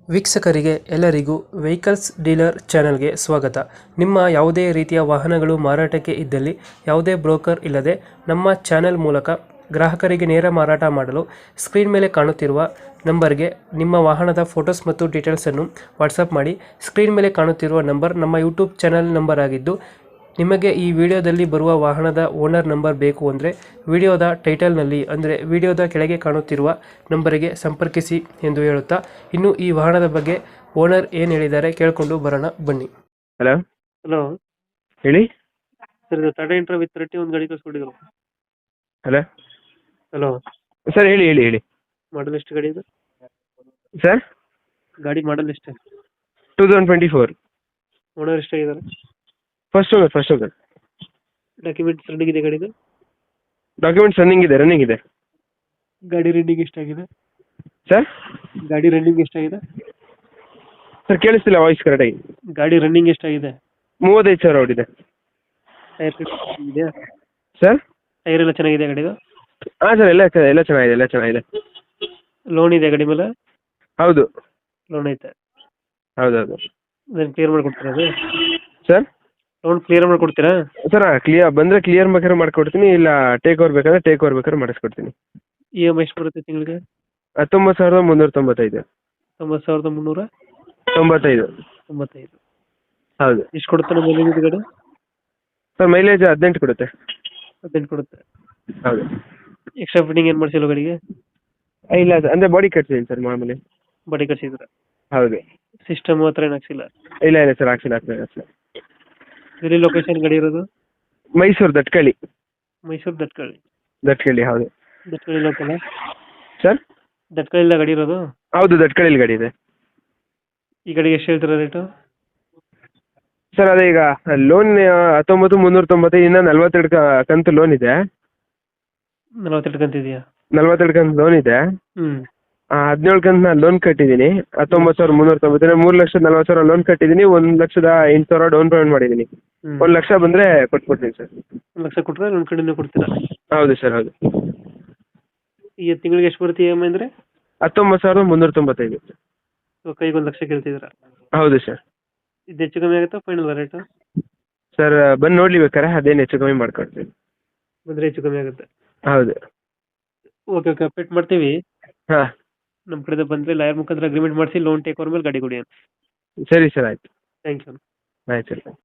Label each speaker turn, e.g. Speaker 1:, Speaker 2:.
Speaker 1: ವೀಕ್ಷಕರಿಗೆ ಎಲ್ಲರಿಗೂ vehicles dealer ಚಾನೆಲ್ಗೆ ಸ್ವಾಗತ. ನಿಮ್ಮ ಯಾವುದೇ ರೀತಿಯ ವಾಹನಗಳು ಮಾರಾಟಕ್ಕೆ ಇದ್ದಲ್ಲಿ ಯಾವುದೇ ಬ್ರೋಕರ್ ಇಲ್ಲದೆ ನಮ್ಮ ಚಾನೆಲ್ ಮೂಲಕ ಗ್ರಾಹಕರಿಗೆ ನೇರ ಮಾರಾಟ ಮಾಡಲು ಸ್ಕ್ರೀನ್ ಮೇಲೆ ಕಾಣುತ್ತಿರುವ ನಂಬರ್ಗೆ ನಿಮ್ಮ ವಾಹನದ ಫೋಟೋಸ್ ಮತ್ತು ಡೀಟೇಲ್ಸನ್ನು ವಾಟ್ಸಪ್ ಮಾಡಿ. ಸ್ಕ್ರೀನ್ ಮೇಲೆ ಕಾಣುತ್ತಿರುವ ನಂಬರ್ ನಮ್ಮ ಯೂಟ್ಯೂಬ್ ಚಾನೆಲ್ ನಂಬರ್ ಆಗಿದ್ದು, ನಿಮಗೆ ಈ ವಿಡಿಯೋದಲ್ಲಿ ಬರುವ ವಾಹನದ ಓನರ್ ನಂಬರ್ ಬೇಕು ಅಂದರೆ ವಿಡಿಯೋದ ಟೈಟಲ್ನಲ್ಲಿ ಅಂದರೆ ವಿಡಿಯೋದ ಕೆಳಗೆ ಕಾಣುತ್ತಿರುವ ನಂಬರಿಗೆ ಸಂಪರ್ಕಿಸಿ ಎಂದು ಹೇಳುತ್ತಾ, ಇನ್ನು ಈ ವಾಹನದ ಬಗ್ಗೆ ಓನರ್ ಏನು ಹೇಳಿದ್ದಾರೆ ಕೇಳಿಕೊಂಡು ಬರೋಣ ಬನ್ನಿ.
Speaker 2: ಹಲೋ
Speaker 1: ಹಲೋ
Speaker 2: ಹೇಳಿ.
Speaker 1: ಸರ್, ಇದು ಟಾಟಾ ಇಂಟ್ರಾ ವಿತ್ 30 ಒಂದು ಗಾಡಿ ಕಳಿಸ್ಕೊಟ್ಟಿದ್ರು.
Speaker 2: ಹಲೋ
Speaker 1: ಹಲೋ
Speaker 2: ಸರ್, ಹೇಳಿ ಹೇಳಿ ಹೇಳಿ.
Speaker 1: ಮಾಡಲ್ ಎಷ್ಟು ಗಾಡಿ ಇದು?
Speaker 2: ಸರ್,
Speaker 1: ಗಾಡಿ ಮಾಡಲ್ ಎಷ್ಟು?
Speaker 2: 2024
Speaker 1: ಓನರ್ ಎಷ್ಟಾಗಿದ್ದಾರೆ?
Speaker 2: First owner.
Speaker 1: ಡಾಕ್ಯುಮೆಂಟ್ಸ್ ರನ್ನಿಂಗ್ ಇದೆ ಗಾಡಿದು?
Speaker 2: ಡಾಕ್ಯುಮೆಂಟ್ಸ್ ರನ್ನಿಂಗ್ ಇದೆ.
Speaker 1: ಗಾಡಿ ರನ್ನಿಂಗ್ ಎಷ್ಟಾಗಿದೆ?
Speaker 2: ಸರ್
Speaker 1: ಗಾಡಿ ರನ್ನಿಂಗ್ ಎಷ್ಟಾಗಿದೆ?
Speaker 2: ಸರ್ ಕೇಳಿಸ್ತಿಲ್ಲ ವಾಯ್ಸ್ ಕರೆಕ್ಟಾಗಿ.
Speaker 1: ಗಾಡಿ ರನ್ನಿಂಗ್ ಎಷ್ಟಾಗಿದೆ?
Speaker 2: 35,000 ಓಡಿದೆ.
Speaker 1: ಟೈರ್ ಇದೆಯಾ?
Speaker 2: ಸರ್
Speaker 1: ಟೈರ್ ಎಲ್ಲ ಚೆನ್ನಾಗಿದೆ ಗಾಡಿದು?
Speaker 2: ಹಾಂ ಸರ್, ಎಲ್ಲ ಚೆನ್ನಾಗಿದೆ.
Speaker 1: ಲೋನ್ ಇದೆ ಗಾಡಿ ಮೇಲೆ?
Speaker 2: ಹೌದು
Speaker 1: ಲೋನ್ ಐತೆ.
Speaker 2: ಹೌದೌದು.
Speaker 1: ಅದನ್ನು ಕ್ಲಿಯರ್ ಮಾಡಿಕೊಡ್ತೀರಾ ಅದು?
Speaker 2: ಸರ್
Speaker 1: ಲೋನ್ ಕ್ಲಿಯರ್ ಮಾಡಿಕೊಡ್ತೀರಾ?
Speaker 2: ಸರ್ ಕ್ಲಿಯರ್ ಬೇಕಾದ್ರೆ ಮಾಡ್ಕೊಡ್ತೀನಿ, ಇಲ್ಲ ಟೇಕ್ ಓವರ್ ಬೇಕಾದ್ರೆ ಮಾಡಿಸ್ಕೊಡ್ತೀನಿ.
Speaker 1: ಇ ಎಮ್ ಐ ಎಷ್ಟು ಬರುತ್ತೆ ತಿಂಗಳಿಗೆ?
Speaker 2: 19,395.
Speaker 1: 90,395.
Speaker 2: ಹೌದು.
Speaker 1: ಎಷ್ಟು ಕೊಡುತ್ತೆ ನಮ್ಮ ಮೈಲೇಜ್ ಇದು ಗಾಡಿ?
Speaker 2: ಸರ್ ಮೈಲೇಜ್ 18 ಕೊಡುತ್ತೆ.
Speaker 1: 18 ಕೊಡುತ್ತೆ.
Speaker 2: ಹೌದು.
Speaker 1: ಎಕ್ಸ್ಟ್ರಾ ಫಿಟ್ಟಿಂಗ್ ಏನು ಮಾಡಿಸಿಲ್ಲ ಗಾಡಿಗೆ?
Speaker 2: ಇಲ್ಲ ಅಂದರೆ ಬಾಡಿ ಕಟ್ತೀನಿ ಸರ್ ಮಾಮೂಲಿ.
Speaker 1: ಬಾಡಿ ಕಟ್ಸಿದ್ರೆ?
Speaker 2: ಹೌದು.
Speaker 1: ಸಿಸ್ಟಮ್ ಹತ್ರ ಏನು ಹಾಕ್ಸಿಲ್ಲ?
Speaker 2: ಇಲ್ಲ ಸರ್, ಹಾಕ್ಸಿಲ್ಲ.
Speaker 1: ಎಲ್ಲಿ ಲೊಕೇಶನ್ ಗಾಡಿ ಇರೋದು?
Speaker 2: ಮೈಸೂರು ದಟ್ಕಳ್ಳಿ.
Speaker 1: ಮೈಸೂರು ದಟ್ಕಳ್ಳಿ.
Speaker 2: ಹೌದು.
Speaker 1: ದಟ್ಕಳ್ಳಿ ಲೋಕಲ್?
Speaker 2: ಸರ್
Speaker 1: ದಟ್ಕಳ್ಳಿಲ್ಲ ಗಾಡಿ ಇರೋದು?
Speaker 2: ಹೌದು, ದಟ್ಕಳ್ಳಿ ಗಾಡಿ ಇದೆ.
Speaker 1: ಈ ಗಾಡಿಗೆ ಎಷ್ಟು ಹೇಳ್ತೀರಾ ರೇಟು?
Speaker 2: ಸರ್ ಅದೇ ಈಗ ಲೋನ್ 19,395, ಇನ್ನು 42 ಕಂತು ಲೋನ್ ಇದೆ.
Speaker 1: 42 ಕಂತಿದೆಯಾ?
Speaker 2: 42 ಕಂತು ಲೋನ್ ಇದೆ. 17 ಕಂತು ನಾನು ಲೋನ್ ಕಟ್ಟಿದ್ದೀನಿ. 19,390, 3,40,000 ಲೋನ್ ಕಟ್ಟಿದ್ದೀನಿ. 1,08,000 ಡೌನ್ ಪೇಮೆಂಟ್ ಮಾಡಿದ್ದೀನಿ. 1 ಲಕ್ಷ ಬಂದರೆ ಕೊಟ್ಬಿಡ್ತೀನಿ ಸರ್.
Speaker 1: 1 ಲಕ್ಷ ಕೊಟ್ಟರೆ ನನ್ನ ಕಡೆಯಿಂದ ಕೊಡ್ತೀರಾ?
Speaker 2: ಹೌದು ಸರ್, ಹೌದು.
Speaker 1: ಈಗ ತಿಂಗಳಿಗೆ ಎಷ್ಟು ಬರುತ್ತೆ ಇ ಎಮ್ ಐ ಅಂದರೆ?
Speaker 2: 19,395.
Speaker 1: ಕೈಗೆ 1 ಲಕ್ಷ ಕೇಳ್ತಿದ್ದೀರಾ?
Speaker 2: ಹೌದು ಸರ್.
Speaker 1: ಇದು ಹೆಚ್ಚು ಕಮ್ಮಿ ಆಗುತ್ತಾ ಫೈನಲ್ ರೇಟು?
Speaker 2: ಸರ್ ಬಂದು ನೋಡ್ಲಿ ಬೇಕಾರೆ, ಅದೇನು ಹೆಚ್ಚು ಕಮ್ಮಿ ಮಾಡ್ಕೊಡ್ತೀನಿ.
Speaker 1: ಬಂದರೆ ಹೆಚ್ಚು ಕಮ್ಮಿ ಆಗುತ್ತೆ.
Speaker 2: ಹೌದು.
Speaker 1: ಓಕೆ ಅಪ್ಡೇಟ್ ಮಾಡ್ತೀವಿ.
Speaker 2: ಹಾಂ,
Speaker 1: ನಮ್ಮ ಕಡೆಯಿಂದ ಬಂದರೆ ಲಾಯರ್ ಮುಖಾಂತರ ಅಗ್ರಿಮೆಂಟ್ ಮಾಡಿಸಿ ಲೋನ್ ಟೇಕ್ ಓವರ್ ಮೇಲೆ ಗಾಡಿ ಕೊಡಿ.
Speaker 2: ಸರಿ ಸರ್, ಆಯಿತು.
Speaker 1: Thank you.
Speaker 2: ಆಯ್ತು ಸರ್.